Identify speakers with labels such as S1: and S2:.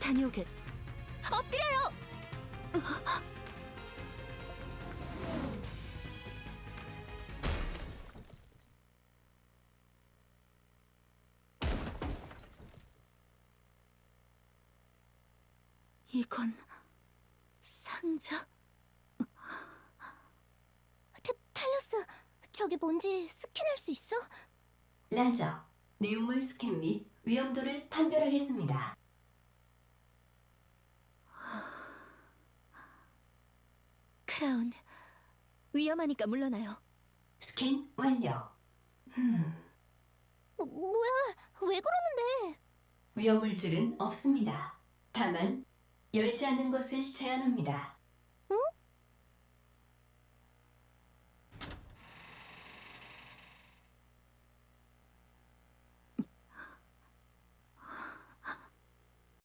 S1: 다녀오겠. 엎드려요! 이건 상자?
S2: 탈러스, 저게 뭔지 스캔할 수 있어?
S3: 라저, 내용물 스캔 및 위험도를 판별하겠습니다.
S1: 크라운, 위험하니까 물러나요.
S3: 스캔 완료.
S2: 뭐야, 왜 그러는데?
S3: 위험물질은 없습니다. 다만 열지 않는 것을 제한합니다.